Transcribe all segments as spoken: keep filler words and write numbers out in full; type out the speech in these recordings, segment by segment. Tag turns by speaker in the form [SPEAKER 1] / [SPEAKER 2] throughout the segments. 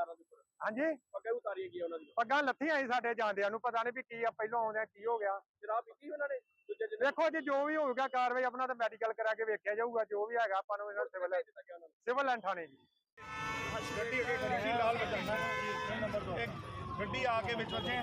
[SPEAKER 1] ਸਰਦਾਰਾਂ ਦੇ ਉੱਪਰ
[SPEAKER 2] ਹਾਂਜੀ
[SPEAKER 1] ਪੱਗਾਂ ਉਤਾਰੀਆਂ ਗਈਆਂ ਉਹਨਾਂ ਦੀਆਂ।
[SPEAKER 2] ਪੱਗਾਂ ਲੱਥੀਆਂ ਸੀ ਸਾਡੇ ਜਾਂਦਿਆਂ ਨੂੰ, ਪਤਾ ਨਹੀਂ ਵੀ ਕੀ ਆ ਪਹਿਲੋਂ ਆਉਂਦਿਆਂ ਕੀ ਹੋ ਗਿਆ।
[SPEAKER 1] ਸ਼ਰਾਬ ਪੀਤੀ ਉਹਨਾਂ ਨੇ ਦੂਜੇ ਦਿਨ?
[SPEAKER 2] ਦੇਖੋ ਜੀ ਜੋ ਵੀ ਹੋਊਗਾ ਕਾਰਵਾਈ ਆਪਣਾ ਤਾਂ ਮੈਡੀਕਲ ਕਰਾ ਕੇ ਵੇਖਿਆ ਜਾਊਗਾ, ਜੋ ਵੀ ਹੈਗਾ ਆਪਾਂ ਨੂੰ ਇਹਨਾਂ ਸਿਵਲ ਸਿਵਲ ਲਾਈਨ ਥਾਣੇ ਜੀ।
[SPEAKER 3] ਗੱਡੀ ਅੱਗੇ ਖੜੀ ਸੀ ਲਾਲ ਬੱਚਾ ਨੰਬਰ ਦੋ ਗੱਡੀ ਆ ਕੇ ਵਿੱਚ ਵੱਜੇ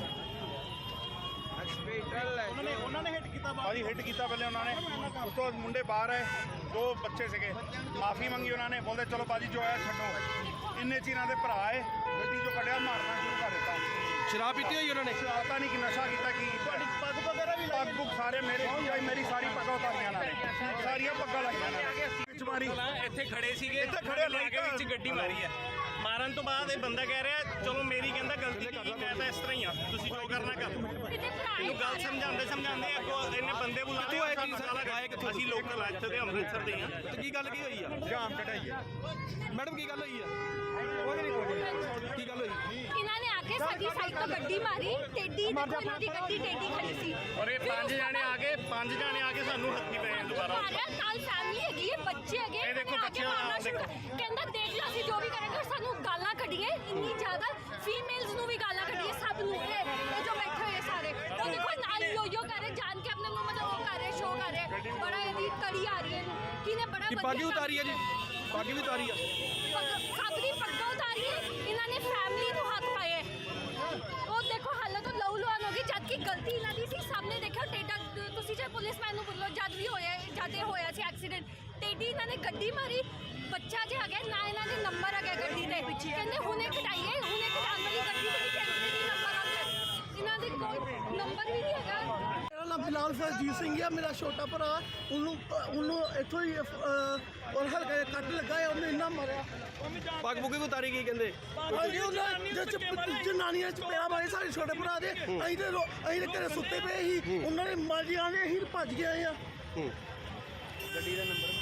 [SPEAKER 3] ਉਹਨਾਂ ਨੇ ਉਹਨਾਂ ਨੇ ਹਿੱਟ ਕੀਤਾ ਭਾਜੀ ਹਿੱਟ ਕੀਤਾ ਪਹਿਲੇ ਉਹਨਾਂ ਨੇ, ਉਸ ਤੋਂ ਮੁੰਡੇ ਬਾਹਰ ਆਏ, ਦੋ ਬੱਚੇ ਸੀਗੇ, ਮਾਫੀ ਮੰਗੀ ਉਹਨਾਂ ਨੇ, ਬੋਲਦੇ ਚਲੋ ਭਾਜੀ ਜੋ ਹੈ ਛੱਡੋ। ਇੰਨੇ ਚਿਰਾਂ ਦੇ ਭਰਾ ਆਏ, ਗੱਡੀ ਚੋਂ ਕੱਢਿਆ, ਮਾਰਨਾ ਸ਼ੁਰੂ ਕਰ ਦਿੱਤਾ।
[SPEAKER 4] ਸ਼ਰਾਬ ਪੀਤੀ ਹੋਈ ਉਹਨਾਂ ਨੇ?
[SPEAKER 3] ਪਤਾ ਨਹੀਂ ਕਿ ਨਸ਼ਾ ਕੀਤਾ ਕੀ ਕੀਤਾ।
[SPEAKER 4] ਪੱਗ ਵਗੈਰਾ ਵੀ
[SPEAKER 3] ਪੱਗ ਪੁੱਗ ਸਾਰੇ ਮੇਰੇ ਮੇਰੀ ਸਾਰੀ ਪੱਗਾਂ ਉਤਾਰੀਆਂ ਨਾਲ, ਸਾਰੀਆਂ ਪੱਗਾਂ ਲਾਈਆਂ ਨਾਲ ਵਿੱਚ ਮਾਰੀ।
[SPEAKER 5] ਇੱਥੇ ਖੜੇ ਸੀਗੇ,
[SPEAKER 3] ਇੱਥੇ ਖੜੇ
[SPEAKER 5] ਲਾ ਕੇ ਵਿੱਚ ਗੱਡੀ ਮਾਰੀ ਹੈ। ਮਾਰਨ ਤੋਂ ਬਾਅਦ ਇਹ ਬੰਦਾ ਕਹਿ ਰਿਹਾ ਚਲੋ ਮੇਰੀ ਕਹਿੰਦਾ ਗਲਤੀ ਕੀ, ਮੈਂ ਤਾਂ ਇਸ ਤਰ੍ਹਾਂ ਹੀ ਆ, ਤੁਸੀਂ ਜੋ ਕਰਨਾ ਕਰ। ਇਹਨੂੰ ਗੱਲ ਸਮਝਾਉਂਦੇ ਸਮਝਾਉਂਦੇ ਅੱਗੋਂ ਇਹਨੇ ਬੰਦੇ ਬੁਲਾਏ, ਅਸੀਂ ਲੋਕਲ ਇੱਥੇ ਦੇ ਅੰਮ੍ਰਿਤਸਰ ਦੇ ਆ।
[SPEAKER 4] ਤੇ ਕੀ ਗੱਲ ਕੀ ਹੋਈ ਆ?
[SPEAKER 3] ਜਾਮ ਕਢਾਈ ਆ
[SPEAKER 4] ਮੈਡਮ ਕੀ ਗੱਲ ਹੋਈ ਆ? ਉਹ ਨਹੀਂ ਕੋਈ ਕੀ ਗੱਲ ਹੋਈ?
[SPEAKER 6] ਇਹਨਾਂ ਨੇ ਆ ਕੇ ਸਾਡੀ ਸਾਈਡ ਤੋਂ ਗੱਡੀ ਮਾਰੀ, ਟੇਡੀ ਦੇਖੋ ਇਹਨਾਂ ਦੀ ਗੱਡੀ ਟੇਡੀ ਖੜੀ ਸੀ।
[SPEAKER 5] ਔਰ ਇਹ ਪੰਜ ਜਾਣੇ ਆ ਗਏ, ਪੰਜ ਜਾਣੇ ਆ ਕੇ ਸਾਨੂੰ ਹੱਥੀ ਪਏ ਦੁਬਾਰਾ।
[SPEAKER 6] ਨਾਲ ਫੈਮਿਲੀ ਹੈਗੀ ਹੈ, ਬੱਚੇ ਹੈਗੇ,
[SPEAKER 5] ਇਹ ਦੇਖੋ ਬੱਚੇ
[SPEAKER 6] ਕਹਿੰਦਾ ਦੇਖ ਲਓ ਅਸੀਂ ਜੋ ਵੀ ਕਰਾਂਗੇ। ਸਾਨੂੰ ਗਾਲਾਂ ਕੱਢੀਏ ਇੰਨੀ ਜ਼ਿਆਦਾ, ਫੀਮੇਲਸ ਨੂੰ ਵੀ ਗਾਲਾਂ ਕੱਢੀਏ, ਸਭ ਨੂੰ। ਇਹ ਜੋ ਬੈਠੇ ਹੋਏ ਸਾਰੇ ਤਾਂ ਦੇਖੋ ਨਾਲ ਯੋ ਯੋ ਕਰ ਰਹੇ, ਜਾਣ ਕੇ ਆਪਣੇ ਨੂੰ ਮਤਲਬ ਉਹ ਕਰ ਰਹੇ, ਸ਼ੋਅ ਕਰ ਰਹੇ। ਬੜਾ ਇਹਦੀ ਕੜੀ ਆ ਰਹੀ ਹੈ, ਕਿਨੇ ਬੜਾ
[SPEAKER 4] ਪੱਗ ਉਤਾਰੀ ਆ ਜੀ? ਪੱਗ ਵੀ ਉਤਾਰੀ ਆ?
[SPEAKER 6] ਸਭ ਦੀ ਪੱਗਾਂ ਉਤਾਰੀ ਹੈ। ਇਹਨਾਂ ਨੇ ਫੈਮਿਲੀ ਨੂੰ ਹੱਥ ਪਾਏ। ਉਹ ਦੇਖੋ ਹਾਲਤ ਤੋਂ ਲਹੂ ਲੁਹਾਨ ਹੋ ਗਈ, ਜਦ ਕਿ ਗਲਤੀ ਇਹਨਾਂ ਦੀ ਸੀ। ਸਾਹਮਣੇ ਦੇਖਿਓ ਟੇਡਾ, ਤੁਸੀਂ ਜੇ ਪੁਲਿਸਮੈਨ ਨੂੰ ਬੋਲੋ, ਜਦ ਵੀ ਹੋਇਆ ਜਦ ਇਹ ਹੋਇਆ ਸੀ ਐਕਸੀਡੈਂਟ, ਟੇਡੀ ਇਹਨਾਂ ਨੇ ਗੱਡੀ ਮਾਰੀ। ਬੱਚਾ ਜੇ ਹੈਗਾ ਨਾ, ਇਹਨਾਂ ਦੇ ਨੰਬਰ ਹੈਗਾ ਗੱਡੀ ਦੇ ਪਿੱਛੇ, ਕਹਿੰਦੇ ਹੁਣੇ ਕਟਾਈਏ, ਹੁਣੇ ਕਟਾਉਣ ਵਾਲੀ ਗੱਡੀ ਦੇ ਵਿੱਚ ਨਹੀਂ ਨੰਬਰ ਆਉਂਦੇ, ਇਹਨਾਂ ਦੇ ਕੋਈ ਨੰਬਰ ਵੀ ਨਹੀਂ ਹੈਗਾ।
[SPEAKER 7] ਮੇਰਾ ਨਾਮ ਫਿਲਹਾਲ ਸਰਜੀਤ ਸਿੰਘ ਆ, ਮੇਰਾ ਛੋਟਾ ਭਰਾ, ਉਹਨੂੰ ਉਹਨੂੰ ਇੱਥੋਂ ਹੀ ਔਰ ਹਲਕਾ ਜਿਹਾ ਕੱਟ ਲੱਗਾ ਹੈ, ਉਹਨੇ ਇੰਨਾ ਮਾਰਿਆ।
[SPEAKER 4] ਪੱਗ ਪੁੱਗ ਵੀ ਉਤਾਰੀ ਗਈ ਕਹਿੰਦੇ?
[SPEAKER 7] ਹਾਂਜੀ ਉਹਨਾਂ ਜਨਾਨੀਆਂ ਚ ਪਿਆ ਮਾਰੇ ਸਾਡੇ ਛੋਟੇ ਭਰਾ ਦੇ। ਅਸੀਂ ਤੇ ਅਸੀਂ ਤੇ ਘਰੇ ਸੁੱਤੇ ਪਏ ਸੀ, ਉਹਨਾਂ ਨੇ ਮਾਰੀਆਂ ਨੇ, ਅਸੀਂ ਭੱਜ ਗਏ ਆ।
[SPEAKER 4] ਗੱਡੀ ਦਾ ਨੰਬਰ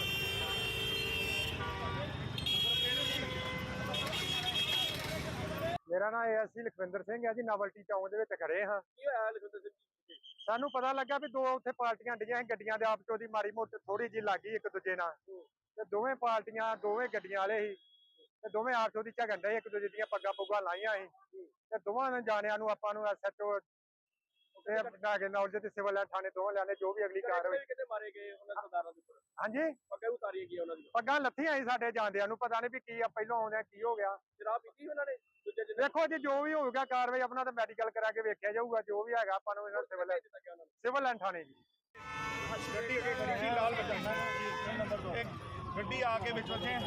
[SPEAKER 2] ਮੇਰਾ ਨਾਮ ਏਐਸਸੀ ਲਖਵਿੰਦਰ ਸਿੰਘ ਹੈ ਜੀ, ਨਵਲਟੀ ਚੌਂਕ ਦੇ ਵਿੱਚ ਖੜੇ ਹਾਂ।
[SPEAKER 1] ਕੀ ਹੋਇਆ ਲਖਵਿੰਦਰ ਸਿੰਘ ਜੀ?
[SPEAKER 2] ਸਾਨੂੰ ਪਤਾ ਲੱਗਾ ਵੀ ਦੋ ਉੱਥੇ ਪਾਰਟੀਆਂ ਡੀਆਂ ਸੀ, ਗੱਡੀਆਂ ਦੇ ਆਪਸ ਦੀ ਮਾੜੀ ਮੋਟੀ ਥੋੜੀ ਜਿਹੀ ਲੱਗੀ ਇੱਕ ਦੂਜੇ ਨਾਲ, ਤੇ ਦੋਵੇਂ ਪਾਰਟੀਆਂ ਦੋਵੇਂ ਗੱਡੀਆਂ ਵਾਲੇ ਸੀ, ਤੇ ਦੋਵੇਂ ਆਪਸ ਦੀ ਝਗੜਨ ਡਏ, ਇੱਕ ਦੂਜੇ ਦੀਆਂ ਪੱਗਾਂ ਪੁੱਗਾਂ ਲਾਈਆਂ ਸੀ, ਤੇ ਦੋਵਾਂ ਜਾਣਿਆਂ ਨੂੰ ਆਪਾਂ ਨੂੰ ਐਸਐਚਓ ਤੇ ਨਾਗੇ ਨੌਲੇਜ ਤੇ ਸਿਵਲ ਥਾਣੇ ਦੋਵਾਂ ਲਿਆਣੇ, ਜੋ ਵੀ ਅਗਲੀ ਕਾਰਵਾਈ।
[SPEAKER 1] ਕਿਤੇ ਮਾਰੇ ਗਏ ਉਹਨਾਂ ਸਰਦਾਰਾਂ ਦੇ ਉੱਪਰ?
[SPEAKER 2] ਹਾਂਜੀ
[SPEAKER 1] ਪੱਗਾਂ ਉਤਾਰੀਆਂ ਗਈਆਂ ਉਹਨਾਂ ਦੀਆਂ।
[SPEAKER 2] ਪੱਗਾਂ ਲੱਥੀਆਂ ਸੀ ਸਾਡੇ ਜਾਂਦਿਆਂ ਨੂੰ, ਪਤਾ ਨਹੀਂ ਵੀ ਕੀ ਆ ਪਹਿਲੋਂ ਆਉਂਦਿਆਂ ਕੀ ਹੋ ਗਿਆ।
[SPEAKER 1] ਸ਼ਰਾਬ ਪੀਤੀ ਉਹਨਾਂ ਨੇ ਦੂਜੇ ਦਿਨ?
[SPEAKER 2] ਦੇਖੋ ਜੀ ਜੋ ਵੀ ਹੋਊਗਾ ਕਾਰਵਾਈ ਆਪਣਾ ਤਾਂ ਮੈਡੀਕਲ ਕਰਾ ਕੇ ਵੇਖਿਆ ਜਾਊਗਾ, ਜੋ ਵੀ ਹੈਗਾ ਆਪਾਂ ਨੂੰ ਇਹਨਾਂ ਸਿਵਲ ਸਿਵਲ ਲਾਈਨ ਥਾਣੇ ਜੀ।
[SPEAKER 3] ਗੱਡੀ ਅੱਗੇ ਖੜੀ ਸੀ ਲਾਲ ਬੱਚਾ ਨੰਬਰ ਦੋ ਗੱਡੀ ਆ ਕੇ ਵਿੱਚ ਵੱਜੇ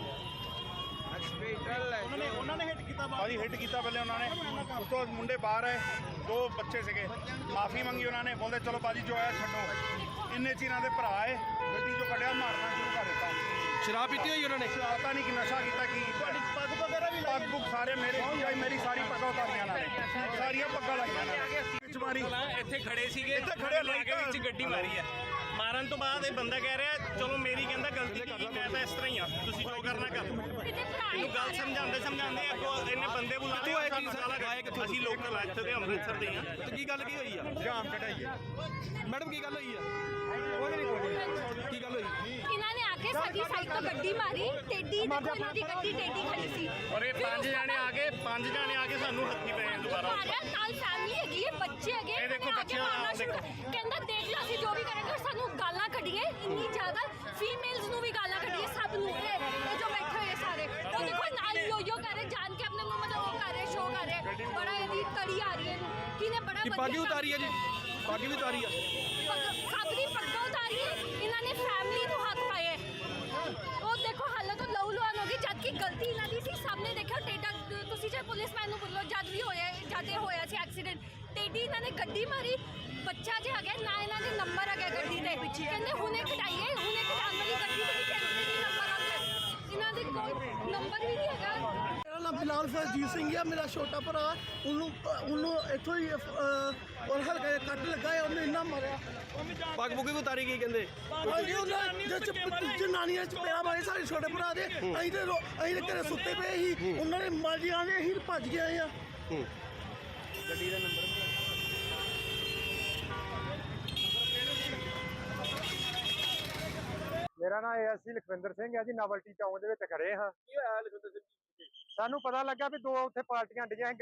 [SPEAKER 3] ਉਹਨਾਂ ਨੇ ਉਹਨਾਂ ਨੇ ਹਿੱਟ ਕੀਤਾ ਭਾਜੀ ਹਿੱਟ ਕੀਤਾ ਪਹਿਲੇ ਉਹਨਾਂ ਨੇ, ਉਸ ਤੋਂ ਮੁੰਡੇ ਬਾਹਰ ਆਏ, ਦੋ ਬੱਚੇ ਸੀਗੇ, ਮਾਫੀ ਮੰਗੀ ਉਹਨਾਂ ਨੇ, ਬੋਲਦੇ ਚਲੋ ਭਾਜੀ ਜੋ ਹੈ ਛੱਡੋ। ਇੰਨੇ ਚਿਰਾਂ ਦੇ ਭਰਾ ਆਏ, ਗੱਡੀ ਚੋਂ ਕੱਢਿਆ, ਮਾਰਨਾ ਸ਼ੁਰੂ ਕਰ ਦਿੱਤਾ।
[SPEAKER 4] ਸ਼ਰਾਬ ਪੀਤੀ ਹੋਈ ਉਹਨਾਂ ਨੇ?
[SPEAKER 3] ਪਤਾ ਨਹੀਂ ਕਿ ਨਸ਼ਾ ਕੀਤਾ ਕੀ ਕੀਤਾ।
[SPEAKER 4] ਪੱਗ ਵਗੈਰਾ ਵੀ
[SPEAKER 3] ਪੱਗ ਪੁੱਗ ਸਾਰੇ ਮੇਰੇ ਮੇਰੀ ਸਾਰੀ ਪੱਗਾਂ ਉਤਾਰੀਆਂ ਨਾਲ, ਸਾਰੀਆਂ ਪੱਗਾਂ ਲਾਈਆਂ ਨਾਲ ਵਿੱਚ ਮਾਰੀ।
[SPEAKER 5] ਇੱਥੇ ਖੜੇ ਸੀਗੇ,
[SPEAKER 3] ਇੱਥੇ ਖੜੇ
[SPEAKER 5] ਲਾ ਕੇ ਵਿੱਚ ਗੱਡੀ ਮਾਰੀ ਹੈ। ਮਾਰਨ ਤੋਂ ਬਾਅਦ ਇਹ ਬੰਦਾ ਕਹਿ ਰਿਹਾ ਚਲੋ ਮੇਰੀ ਕਹਿੰਦਾ ਗਲਤੀ ਕੀ, ਮੈਂ ਤਾਂ ਇਸ ਤਰ੍ਹਾਂ ਹੀ ਆ, ਤੁਸੀਂ ਜੋ ਕਰਨਾ ਕਰ। ਇਹਨੂੰ ਗੱਲ ਸਮਝਾਉਂਦੇ ਸਮਝਾਉਂਦੇ ਅੱਗੋਂ ਇਹਨੇ ਬੰਦੇ ਬੁਲਾਏ, ਅਸੀਂ ਲੋਕਲ ਇੱਥੇ ਦੇ ਅੰਮ੍ਰਿਤਸਰ ਦੇ ਆ।
[SPEAKER 4] ਤੇ ਕੀ ਗੱਲ ਕੀ ਹੋਈ ਆ?
[SPEAKER 3] ਜਾਮ ਕਢਾਈ ਆ
[SPEAKER 4] ਮੈਡਮ ਕੀ ਗੱਲ ਹੋਈ ਆ? ਉਹ ਨਹੀਂ ਕੋਈ ਕੀ ਗੱਲ ਹੋਈ?
[SPEAKER 6] ਇਹਨਾਂ ਨੇ ਆ ਕੇ ਸਾਡੀ ਸਾਈਡ ਤੋਂ ਗੱਡੀ ਮਾਰੀ, ਟੇਡੀ ਦੇਖੋ ਇਹਨਾਂ ਦੀ ਗੱਡੀ ਟੇਡੀ ਖੜੀ ਸੀ।
[SPEAKER 5] ਔਰ ਇਹ ਪੰਜ ਜਾਣੇ ਆ ਗਏ, ਪੰਜ ਜਾਣੇ ਆ ਕੇ ਸਾਨੂੰ ਹੱਥੀ ਪਏ ਦੁਬਾਰਾ।
[SPEAKER 6] ਨਾਲ ਫੈਮਿਲੀ ਹੈਗੀ ਹੈ, ਬੱਚੇ ਹੈਗੇ,
[SPEAKER 5] ਇਹ ਦੇਖੋ ਬੱਚੇ
[SPEAKER 6] ਕਹਿੰਦਾ ਦੇਖ ਲਓ ਅਸੀਂ ਜੋ ਵੀ ਕਰਾਂਗੇ। ਸਾਨੂੰ ਗਾਲਾਂ ਕੱਢੀਏ ਇੰਨੀ ਜ਼ਿਆਦਾ, ਫੀਮੇਲਸ ਨੂੰ ਵੀ ਗਾਲਾਂ ਕੱਢੀਏ, ਸਭ ਨੂੰ। ਇਹ ਜੋ ਬੈਠੇ ਹੋਏ ਸਾਰੇ ਤਾਂ ਦੇਖੋ ਨਾਲ ਯੋ ਯੋ ਕਰ ਰਹੇ, ਜਾਣ ਕੇ ਆਪਣੇ ਨੂੰ ਮਤਲਬ ਉਹ ਕਰ ਰਹੇ, ਸ਼ੋਅ ਕਰ ਰਹੇ। ਬੜਾ ਇਹਦੀ ਕੜੀ ਆ ਰਹੀ ਹੈ, ਕਿਨੇ ਬੜਾ
[SPEAKER 4] ਪੱਗ ਉਤਾਰੀ ਆ ਜੀ? ਪੱਗ ਵੀ ਉਤਾਰੀ ਆ?
[SPEAKER 6] ਸਭ ਦੀ ਪੱਗਾਂ ਉਤਾਰੀ ਹੈ। ਇਹਨਾਂ ਨੇ ਫੈਮਿਲੀ ਨੂੰ ਹੱਥ ਪਾਏ। ਉਹ ਦੇਖੋ ਹਾਲਤ ਤੋਂ ਲਹੂ ਲੁਹਾਨ ਹੋ ਗਈ, ਜਦ ਕਿ ਗਲਤੀ ਇਹਨਾਂ ਦੀ ਸੀ। ਸਾਹਮਣੇ ਦੇਖਿਓ ਟੇਡਾ, ਤੁਸੀਂ ਜੇ ਪੁਲਿਸਮੈਨ ਨੂੰ ਬੋਲੋ, ਜਦ ਵੀ ਹੋਇਆ ਜਦ ਇਹ ਹੋਇਆ ਸੀ ਐਕਸੀਡੈਂਟ, ਟੇਡੀ ਇਹਨਾਂ ਨੇ ਗੱਡੀ ਮਾਰੀ। ਬੱਚਾ ਜੇ ਹੈਗਾ ਨਾ, ਇਹਨਾਂ ਦੇ ਨੰਬਰ ਹੈਗਾ ਗੱਡੀ ਦੇ ਪਿੱਛੇ, ਕਹਿੰਦੇ ਹੁਣੇ ਕਟਾਈਏ, ਹੁਣੇ ਕਟਾਉਣ ਵਾਲੀ ਗੱਡੀ ਦੇ ਵਿੱਚ ਨਹੀਂ ਨੰਬਰ ਆਉਂਦੇ, ਇਹਨਾਂ ਦੇ ਕੋਈ ਨੰਬਰ ਵੀ ਨਹੀਂ ਹੈਗਾ।
[SPEAKER 7] ਮੇਰਾ ਨਾਮ ਫਿਲਹਾਲ ਸਰਜੀਤ ਸਿੰਘ ਆ, ਮੇਰਾ ਛੋਟਾ ਭਰਾ, ਉਹਨੂੰ ਉਹਨੂੰ ਇੱਥੋਂ ਹੀ ਔਰ ਹਲਕਾ ਜਿਹਾ ਕੱਟ ਲੱਗਾ ਹੈ, ਉਹਨੇ ਇੰਨਾ ਮਾਰਿਆ।
[SPEAKER 4] ਪੱਗ ਪੁੱਗ ਵੀ ਉਤਾਰੀ ਗਈ ਕਹਿੰਦੇ?
[SPEAKER 7] ਹਾਂਜੀ ਉਹਨਾਂ ਜਨਾਨੀਆਂ ਚ ਪਿਆ ਮਾਰੇ ਸਾਡੇ ਛੋਟੇ ਭਰਾ ਦੇ। ਅਸੀਂ ਤੇ ਅਸੀਂ ਤੇ ਘਰੇ ਸੁੱਤੇ ਪਏ ਸੀ, ਉਹਨਾਂ ਨੇ ਮਾਰੀਆਂ ਨੇ, ਅਸੀਂ ਭੱਜ ਗਏ ਆ।
[SPEAKER 4] ਗੱਡੀ ਦਾ ਨੰਬਰ
[SPEAKER 2] ਮੇਰਾ ਨਾਮ ਏਐਸਸੀ ਲਖਵਿੰਦਰ ਸਿੰਘ ਹੈ ਜੀ, ਨਵਲਟੀ ਚੌਂਕ ਦੇ ਵਿੱਚ ਖੜੇ ਹਾਂ।
[SPEAKER 1] ਕੀ ਹੋਇਆ ਲਖਵਿੰਦਰ ਸਿੰਘ ਜੀ?
[SPEAKER 2] ਸਾਨੂੰ ਪਤਾ ਲੱਗਾ ਵੀ ਦੋ ਉੱਥੇ ਪਾਰਟੀਆਂ ਡੀਆਂ